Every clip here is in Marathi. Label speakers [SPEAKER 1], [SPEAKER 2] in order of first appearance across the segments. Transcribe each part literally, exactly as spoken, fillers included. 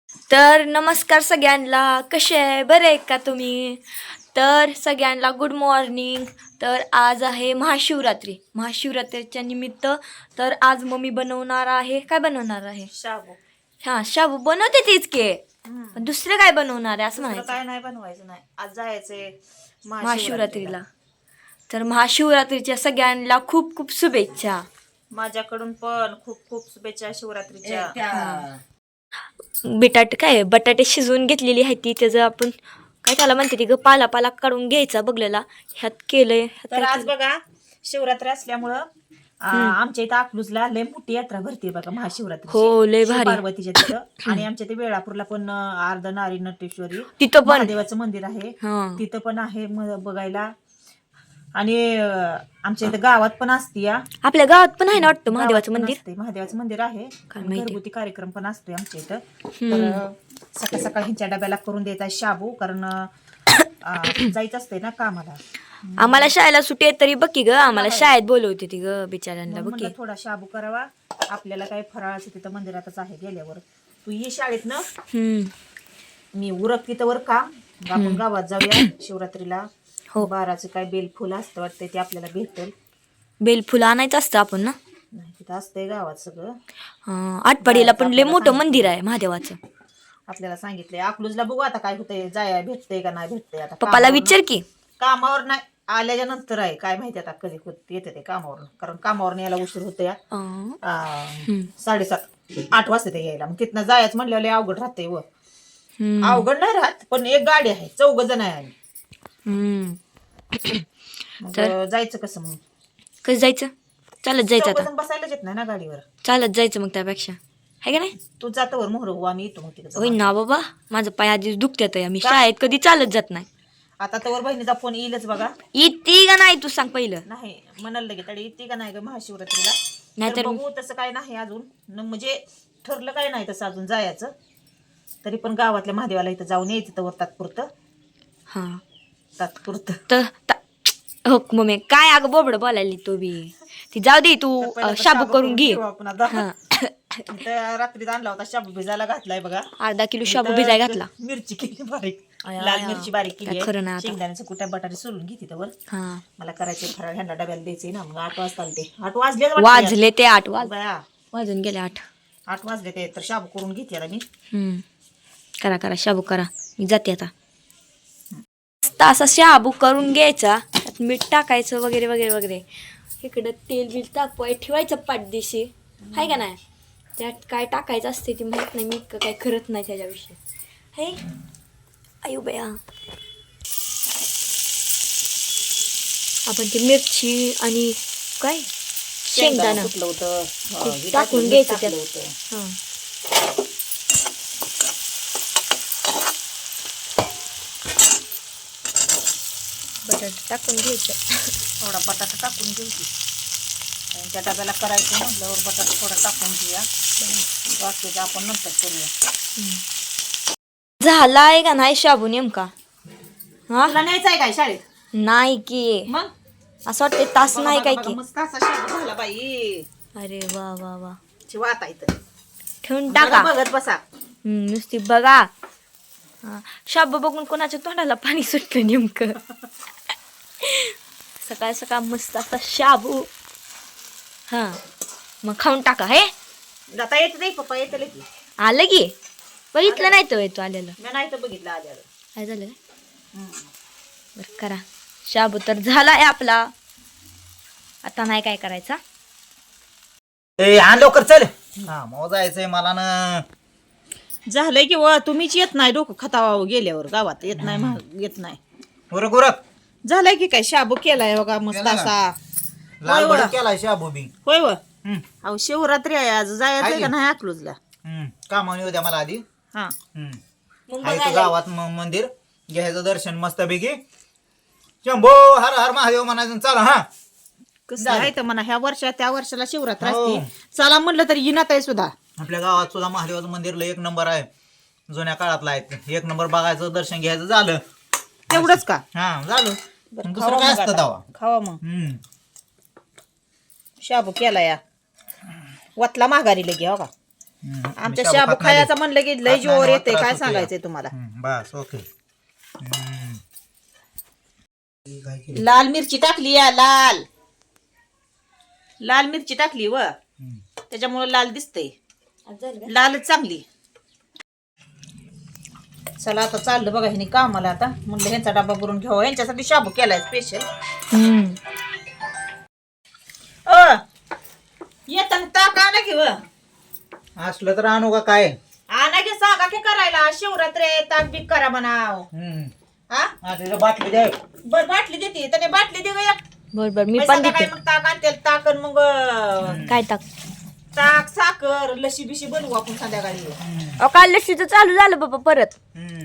[SPEAKER 1] तर नमस्कार सगळ्यांना, कसे आहे, बरे आहे का तुम्ही? तर सगळ्यांना गुड मॉर्निंग. तर आज आहे महाशिवरात्री. महाशिवरात्रीच्या निमित्त तर आज मम्मी बनवणार आहे. काय बनवणार आहे?
[SPEAKER 2] शाबू.
[SPEAKER 1] हां, शाबू बनवते तीच के,
[SPEAKER 2] हम्म.
[SPEAKER 1] पण दुसरं काय बनवणार आहे असं
[SPEAKER 2] दुसरं
[SPEAKER 1] म्हणायचं
[SPEAKER 2] काय नाही बनवायचं नाही. आज जायचंय
[SPEAKER 1] महाशिवरात्रीला. तर महाशिवरात्रीच्या सगळ्यांना खूप खूप शुभेच्छा.
[SPEAKER 2] माझ्याकडून पण खूप खूप शुभेच्छा शिवरात्रीच्या.
[SPEAKER 1] बटाटे काय बटाटे शिजवून घेतलेली आहे ती, त्याचं आपण काय त्याला म्हणते ती ग, पाला पाला काढून घ्यायचा बघलेला, ह्यात केलंय. ह्यात
[SPEAKER 2] तर
[SPEAKER 1] काय
[SPEAKER 2] आज
[SPEAKER 1] केलंय?
[SPEAKER 2] बघा शिवरात्री असल्यामुळं आ, आमच्या इथं अकलूजला लय मोठी यात्रा भरते बघा महाशिवरात्री.
[SPEAKER 1] हो, लय भारी.
[SPEAKER 2] पार्वतीच्या तिथं आणि आमच्या ते वेळापूरला पण अर्धनारी नटेश्वरी
[SPEAKER 1] तिथं पण
[SPEAKER 2] महादेवाचं मंदिर आहे.
[SPEAKER 1] हा.
[SPEAKER 2] तिथं पण आहे म- बघायला. आणि अं, आमच्या इथं गावात पण असते या
[SPEAKER 1] आपल्या गावात पण आहे ना वाटतं महादेवाचं
[SPEAKER 2] गावात पण
[SPEAKER 1] मंदिर.
[SPEAKER 2] असते, महादेवाचं मंदिर आहे.
[SPEAKER 1] काय माहिती.
[SPEAKER 2] घरगुती कार्यक्रम पण असतोय आमच्या इथं. तर सकाळ सकाळ ह्यांच्या डब्याला करून द्यायचा शाबू, कारण अं, जायचं असतंय ना कामाला.
[SPEAKER 1] आम्हाला शाळेला सुट्टी आहे तरी बघ की ग, आम्हाला शाळेत बोलवते ती ग बिचाऱ्यांना,
[SPEAKER 2] म्हणून
[SPEAKER 1] बघ की.
[SPEAKER 2] म्हणलं थोडा शाबू करावा. आपल्याला काय फराळाचं तिथं मंदिरातच आहे गेल्यावर. तू ये शाळेत ना,
[SPEAKER 1] हम्म
[SPEAKER 2] मी उरक तिथं वर का आपण गावात जाऊया शिवरात्रीला.
[SPEAKER 1] हो.
[SPEAKER 2] बाराचं काय बेलफुल असतं वाटतं, ते आपल्याला भेटेल.
[SPEAKER 1] बेलफुलं आणायचं असतं आपण ना.
[SPEAKER 2] नाही तिथं असतंय गावात सगळं.
[SPEAKER 1] हा, आटपाडीला पण लय मोठं मंदिर आहे महादेवाचं.
[SPEAKER 2] आपल्याला सांगितलंय. अकलूजला बघू आता काय होतंय, जाया भेटतंय का नाही भेटतंय. आता
[SPEAKER 1] पप्पाला
[SPEAKER 2] कामावर
[SPEAKER 1] विचार की.
[SPEAKER 2] कामावर नाही आल्याच्या नंतर आहे काय माहिती आता कधी होत- येते ते कामावर, कारण कामावर यायला उशीर होतो या.
[SPEAKER 1] अं,
[SPEAKER 2] आ, साडेसात आठ वाजता ते यायला, मग तिथनं जायचं म्हणल्यावर लय अवघड राहतंय. व
[SPEAKER 1] हम्म,
[SPEAKER 2] अवघड नाही राहत, पण एक गाडी आहे, चौघ जण आहे आम्ही.
[SPEAKER 1] हम्म.
[SPEAKER 2] मग
[SPEAKER 1] तर?
[SPEAKER 2] जायचं कसं मग?
[SPEAKER 1] कसं जायचं? चालत जायचं
[SPEAKER 2] चौघ
[SPEAKER 1] आता.
[SPEAKER 2] जण बसायलाच येत नाही ना गाडीवर.
[SPEAKER 1] चालत जायचं मग त्यापेक्षा, आहे का नाही?
[SPEAKER 2] तू जातो वर मोहर हो, आम्ही येतो मग तिकडे.
[SPEAKER 1] होय ना बाबा, माझं पाय आधीच दुखत्यात आहे, मी शाळेत कधी चालत जात नाही.
[SPEAKER 2] आता तर बहिणीचा फोन येईलच बघा.
[SPEAKER 1] इती का नाही तू सांग पहिलं.
[SPEAKER 2] नाही म्हणाल लगे तरी येते का नाही ग महाशिवरात्रीला.
[SPEAKER 1] नाहीतर-
[SPEAKER 2] तर बघू, तसं काय नाही अजून, न म्हणजे ठरलं काय नाही तसं अजून जायचं. तरी पण गावातल्या महादेवाला इथं जाऊन यायचं तर तात्पुरतं
[SPEAKER 1] हा,
[SPEAKER 2] तात्पुरतं
[SPEAKER 1] तर ता- हो मम्मी काय अगं बोबड बोलायली तू बी. ती जाऊ दे, तू
[SPEAKER 2] तर पहिला
[SPEAKER 1] अं,
[SPEAKER 2] तर
[SPEAKER 1] शाबू करून घे.
[SPEAKER 2] ठेवू आपण आता.
[SPEAKER 1] हा.
[SPEAKER 2] इथं रात्रीत आणला होता शाबू, भिजायला घातलाय बघा.
[SPEAKER 1] अर्धा किलो शाबू
[SPEAKER 2] इथं
[SPEAKER 1] भिजाय घातला.
[SPEAKER 2] मिरची केली बारीक,
[SPEAKER 1] आया,
[SPEAKER 2] लाल
[SPEAKER 1] आया.
[SPEAKER 2] मिरची बारीक केली
[SPEAKER 1] काय खरं नाही
[SPEAKER 2] आहे.
[SPEAKER 1] आता.
[SPEAKER 2] शेंगदाण्याचं कुट्या बटाटे सोलून घेते त्यावर.
[SPEAKER 1] हा,
[SPEAKER 2] मला करायचे फराळ, ह्यांना डब्याला द्यायचे ना. मग आठ वाजता आले ते, आठ वाजले
[SPEAKER 1] वाजले ते आठ वाज
[SPEAKER 2] बया
[SPEAKER 1] वाजून गेले आठ.
[SPEAKER 2] आठ वाजले ते. तर शाबू करून घेते आता मी.
[SPEAKER 1] हम्म. करा करा शाबू करा, मी जाते आता. मस्त असा शाबू करून घ्यायचा, त्यात मीठ टाकायचं वगैरे वगैरे वगैरे. इकडं तेल बिल तापवाय ठेवायचं पाठदिशी, आहे का नाही? त्यात काय टाकायचं असते ती माहित नाही, मी इतकं काय करत नाही त्याच्याविषयी. हे आयु बया, आपण ती मिरची आणि काय शेंगदाणा
[SPEAKER 2] कुठलं होतं
[SPEAKER 1] ते
[SPEAKER 2] हे
[SPEAKER 1] टाकून
[SPEAKER 2] टाकलं,
[SPEAKER 1] घ्यायचं
[SPEAKER 2] टाकलं
[SPEAKER 1] त्यात.
[SPEAKER 2] होतं.
[SPEAKER 1] हां, बटाटे टाकून घ्यायचं.
[SPEAKER 2] थोडा बटाटा टाकून घ्यायची. त्यांच्या डब्याला करायचं म्हटल्यावर बटाटा थोडा टाकून घेऊया. बाकीचं आपण नंतर करूया.
[SPEAKER 1] झाला आहे का नाही शाबू नेमका? हा,
[SPEAKER 2] तुला न्यायचं आहे काय शाळेत?
[SPEAKER 1] नाही की,
[SPEAKER 2] मग
[SPEAKER 1] असं वाटते तास
[SPEAKER 2] बघा,
[SPEAKER 1] नाही
[SPEAKER 2] बघा,
[SPEAKER 1] काय
[SPEAKER 2] बघा,
[SPEAKER 1] की.
[SPEAKER 2] मस्त असा शाबू झाला बाई.
[SPEAKER 1] अरे वा वा वा,
[SPEAKER 2] वाता इथं
[SPEAKER 1] ठेवून
[SPEAKER 2] बघा,
[SPEAKER 1] टाका.
[SPEAKER 2] बघत बसा.
[SPEAKER 1] हम्म, नुसती बघा. हा, शाबू बघून कोणाच्या तोंडाला पाणी सुटलं नेमकं. सकाळ सकाळ मस्त असा शाबू. हा, मग खाऊन टाका. हे
[SPEAKER 2] जाता येत नाही पप्पा, येत की.
[SPEAKER 1] आलं की, बघितलं नाही तो तू आलेलं.
[SPEAKER 2] मी नाही तर बघितलं आल्यावर.
[SPEAKER 1] काय झालं काय? बरं करा, शाबू तर झाला आहे आपला. आता नाही काय करायचा.
[SPEAKER 3] ए आण लवकर चल. हा मग जायचंय मला ना.
[SPEAKER 2] झालंय की व तुम्हीच येत नाही, डोकं खतावा गेल्यावर गावात येत नाही, महाग येत नाही.
[SPEAKER 3] उरक उरक.
[SPEAKER 2] झालंय की काय शाबू केलाय बघा मस्त
[SPEAKER 3] केला का?
[SPEAKER 2] असा.
[SPEAKER 3] लाल
[SPEAKER 2] होय,
[SPEAKER 3] भडक
[SPEAKER 2] होय.
[SPEAKER 3] केलाय शाबू बी.
[SPEAKER 2] होय व
[SPEAKER 3] हम्म,
[SPEAKER 2] अहो शिवरात्री आहे आज, जायचंय
[SPEAKER 3] आहे
[SPEAKER 2] का
[SPEAKER 3] की?
[SPEAKER 2] नाही अकलूजला?
[SPEAKER 3] हम्म. कामावून येऊ द्या मला आधी.
[SPEAKER 2] हा
[SPEAKER 3] हम्म.
[SPEAKER 1] मग
[SPEAKER 3] आहे तो
[SPEAKER 1] बघायला.
[SPEAKER 3] गावात म- मंदिर घ्यायचं दर्शन मस्त पैकी. शंभो हर हर महादेव म्हणायचं चला. हा
[SPEAKER 2] कसं
[SPEAKER 3] झालं.
[SPEAKER 2] आहे तर म्हणा, ह्या वर्षात त्या वर्षाला शिवरात्र
[SPEAKER 3] हो.
[SPEAKER 2] असते. चला म्हणलं तरी येणार आहे सुद्धा.
[SPEAKER 3] आपल्या गावात सुद्धा महादेवाचं मंदिरला एक नंबर आहे, जुन्या काळातला आहे. एक नंबर बघायचं, दर्शन घ्यायचं, झालं.
[SPEAKER 2] तेवढंच का?
[SPEAKER 3] हा झालं.
[SPEAKER 2] बरं,
[SPEAKER 3] दुसरं
[SPEAKER 2] खावा
[SPEAKER 3] काय
[SPEAKER 2] मग
[SPEAKER 3] असतं
[SPEAKER 2] आता.
[SPEAKER 3] दावा.
[SPEAKER 2] खावा मग.
[SPEAKER 3] हम्म.
[SPEAKER 2] शाबू केला या वतला माघारी लगे हो का.
[SPEAKER 3] हम्म, मी
[SPEAKER 2] आमच्या
[SPEAKER 3] शाबू
[SPEAKER 2] शाबू
[SPEAKER 3] खात नाही.
[SPEAKER 2] खायचं म्हणलं की लय
[SPEAKER 3] खात
[SPEAKER 2] जीवावर
[SPEAKER 3] नाही,
[SPEAKER 2] येते
[SPEAKER 3] त्रास
[SPEAKER 2] काय
[SPEAKER 3] होतो
[SPEAKER 2] सांगायचंय
[SPEAKER 3] या.
[SPEAKER 2] तुम्हाला.
[SPEAKER 3] हम्म, बस ओके. हम्म. काय केलं?
[SPEAKER 2] लाल मिरची टाकली या लाल लाल मिरची टाकली व
[SPEAKER 3] हम्म.
[SPEAKER 2] त्याच्यामुळे लाल दिसतंय.
[SPEAKER 1] आज झालं का?
[SPEAKER 2] लालच चांगली. चला आता चाललं बघा ह्यानी कामाला आता म्हणलं ह्यांचा डबा भरून घ्यावा यांच्यासाठी शाबू केलाय स्पेशल.
[SPEAKER 1] हम्म.
[SPEAKER 2] अ येताना ताक आणा की व
[SPEAKER 3] असलं तर आणू का काय?
[SPEAKER 2] आणा की सांगा की करायला शिवरात्र आहे, ताक बीक करा म्हणाव.
[SPEAKER 3] हम्म.
[SPEAKER 2] हा
[SPEAKER 3] हा, तिथं बाटली द्या.
[SPEAKER 2] बर बाटली देते त्याने बाटली दे ग एक.
[SPEAKER 1] बर बर मी
[SPEAKER 2] मग
[SPEAKER 1] पण
[SPEAKER 2] संध्याकाळी
[SPEAKER 1] देते.
[SPEAKER 2] मग ताक आणते ताक आणि मग अं,
[SPEAKER 1] काय टाक?
[SPEAKER 2] ताक साखर लशी बिशी बनवू आपण संध्याकाळी.
[SPEAKER 3] हम्म.
[SPEAKER 1] अहो काल लशीचं चालू झालं बाबा परत.
[SPEAKER 3] हम्म.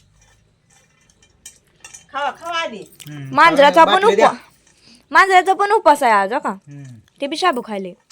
[SPEAKER 2] खावा खावा आधी.
[SPEAKER 3] हम्म.
[SPEAKER 1] मांजराचा पण
[SPEAKER 3] बाटली द्या.
[SPEAKER 1] उपवास मांजराचा पण उपवास आहे आज हो का.
[SPEAKER 3] हम्म.
[SPEAKER 1] ते बी शाबू खायले.